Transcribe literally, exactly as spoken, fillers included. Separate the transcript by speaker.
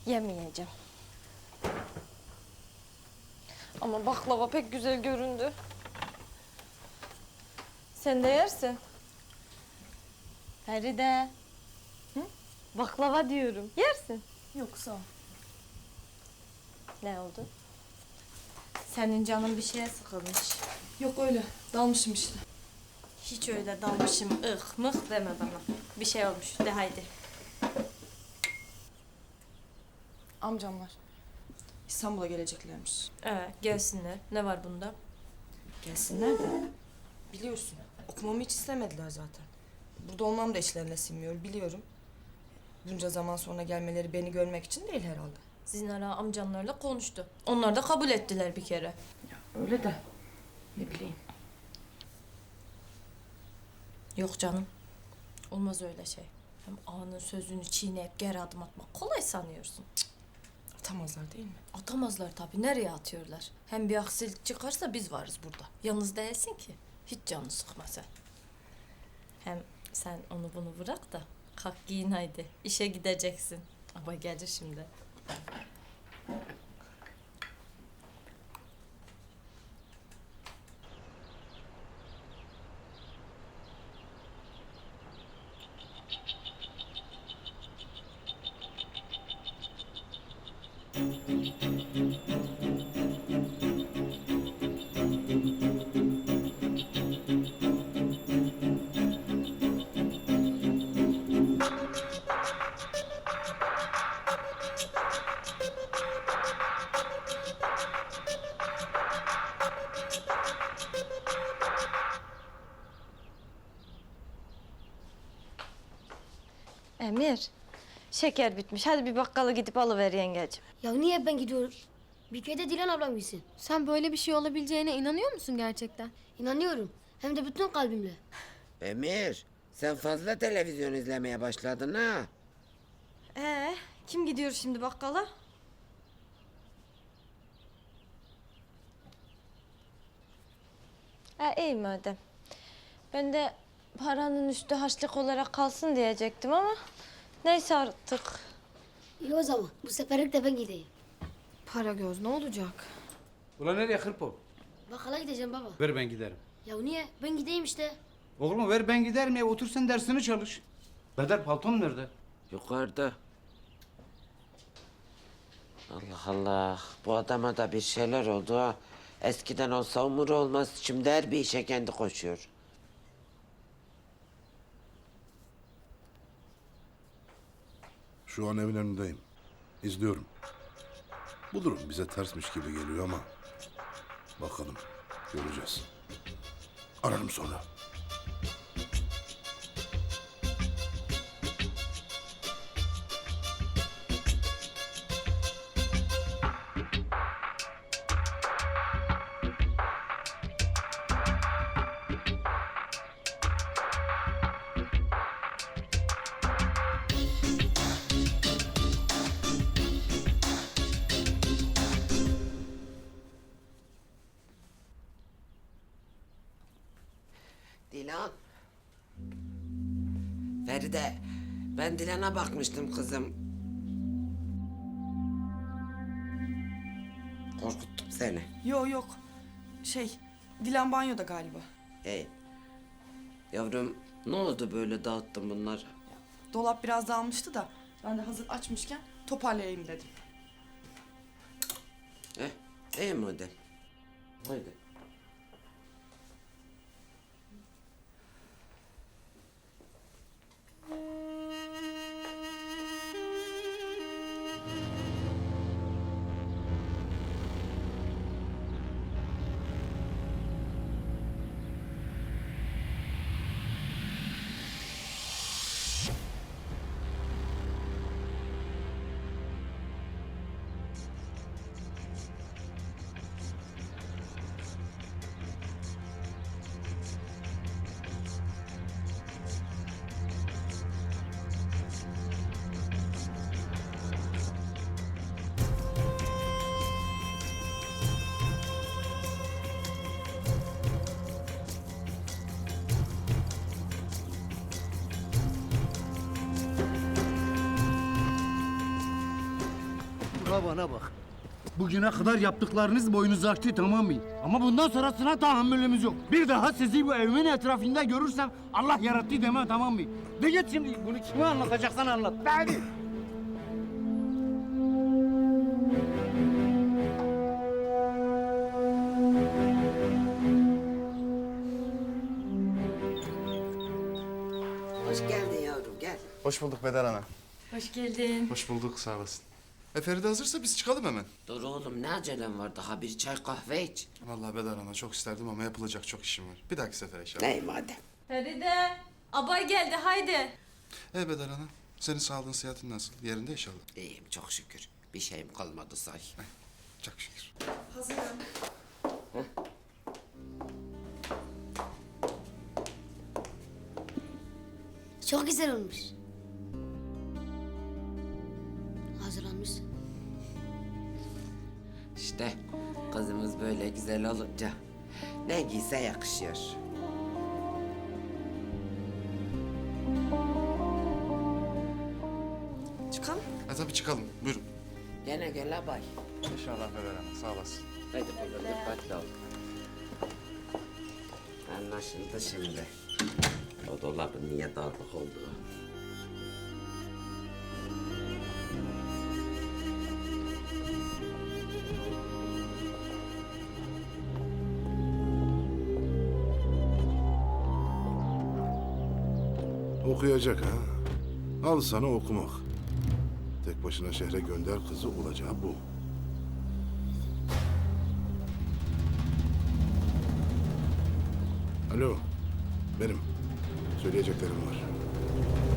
Speaker 1: Yemeyeceğim. Ama baklava pek güzel göründü. Sen de yersin. Feride. Hı? Baklava diyorum. Yersin.
Speaker 2: Yok sağ ol.
Speaker 1: Ne oldu? Senin canın bir şeye sıkılmış.
Speaker 2: Yok öyle. Dalmışım işte.
Speaker 1: Hiç öyle dalmışım ıh mıh deme bana. Bir şey olmuş de haydi.
Speaker 2: Amcamlar İstanbul'a geleceklermiş.
Speaker 1: Ee, gelsinler. Ne var bunda?
Speaker 2: Gelsinler de. Biliyorsun. Okumamı hiç istemediler zaten. Burada olmam da işlerine sinmiyor biliyorum. Bunca zaman sonra gelmeleri beni görmek için değil herhalde.
Speaker 1: Zinara amcanlarla konuştu. Onlar da kabul ettiler bir kere.
Speaker 2: Öyle de. Ne bileyim.
Speaker 1: Yok canım. Olmaz öyle şey. Hem ağanın sözünü çiğneyip geri adım atmak kolay sanıyorsun. Cık,
Speaker 2: Atamazlar değil mi?
Speaker 1: atamazlar tabii. Nereye atıyorlar? Hem bir aksilik çıkarsa biz varız burada. Yalnız değilsin ki. Hiç canını sıkma sen. Hem sen onu bunu bırak da kalk giyin haydi. İşe gideceksin. Ama gelir şimdi. Emir, şeker bitmiş. Hadi bir bakkala gidip alıver yengeciğim.
Speaker 3: Ya niye ben gidiyorum? Bir köyde Dilan ablam gitsin.
Speaker 4: Sen böyle bir şey olabileceğine inanıyor musun gerçekten?
Speaker 3: İnanıyorum. Hem de bütün kalbimle.
Speaker 5: Emir, sen fazla televizyon izlemeye başladın ha.
Speaker 1: Ee, kim gidiyor şimdi bakkala? Ha, iyi madem. Ben de paranın üstü harçlık olarak kalsın diyecektim ama neyse artık.
Speaker 3: İyi o zaman. Bu seferlik de ben gideyim.
Speaker 4: Para göz ne olacak?
Speaker 6: Ulan nereye hırpo?
Speaker 3: Bakkala gideceğim baba.
Speaker 6: Ver ben giderim.
Speaker 3: Ya niye? Ben gideyim işte.
Speaker 6: Oğlum ver ben giderim ya otur sen dersini çalış. Bedar palton nerede?
Speaker 5: Yukarıda. Allah Allah, bu adama da bir şeyler oldu ha. Eskiden olsa umur olmaz, şimdi her bir işe kendi koşuyor.
Speaker 7: Şu an evin önündeyim. İzliyorum. Bu durum bize tersmiş gibi geliyor ama... Bakalım, göreceğiz. Ararım sonra.
Speaker 5: Dilan. Feride, ben Dilan'a bakmıştım kızım. Korkuttum seni.
Speaker 2: Yok yok. Şey, Dilan banyoda galiba.
Speaker 5: Hey. Yavrum, ne oldu böyle dağıttın bunları?
Speaker 2: Dolap biraz dağılmıştı da ben de hazır açmışken toparlayayım dedim.
Speaker 5: Eh, iyi madem. Haydi.
Speaker 6: Ula bana bak. Bugüne kadar yaptıklarınız boynunuzu aştı, tamam mı? Ama bundan sonrasına tahammülümüz yok. Bir daha sizi bu evimin etrafında görürsem Allah yarattı deme, tamam mı? De git şimdi, bunu kime anlatacaksan anlat. Hadi.
Speaker 5: Hoş geldin yavrum, gel.
Speaker 8: Hoş bulduk Bedar Ana.
Speaker 1: Hoş geldin.
Speaker 8: Hoş bulduk, sağ olasın. E Feride hazırsa biz çıkalım hemen.
Speaker 5: Dur oğlum, ne acelem var? Daha bir çay kahve iç.
Speaker 8: Vallahi Bedar Ana çok isterdim ama yapılacak çok işim var. Bir dahaki sefere inşallah.
Speaker 5: Ney madem.
Speaker 1: Feride, abay geldi haydi.
Speaker 8: E Bedar Ana, senin sağlığın, sıhhatin nasıl? Yerinde inşallah.
Speaker 5: İyiyim çok şükür. Bir şeyim kalmadı say.
Speaker 8: Çok şükür.
Speaker 3: Çok güzel olmuş. Hazırlanmışsın.
Speaker 5: İşte kızımız böyle güzel olunca ne giyse yakışıyor.
Speaker 2: Çıkalım.
Speaker 8: E tabii çıkalım, buyurun.
Speaker 5: Gene gel abay.
Speaker 8: İnşallah Bedar Ana, sağ olasın.
Speaker 5: Hadi kızım dikkatli ol. Anlaşıldı şimdi. O dolabın niye dağınık olduğu.
Speaker 7: Okuyacak ha. Al sana okumak. Tek başına şehre gönder kızı, olacağı bu. Alo, benim. Söyleyeceklerim var.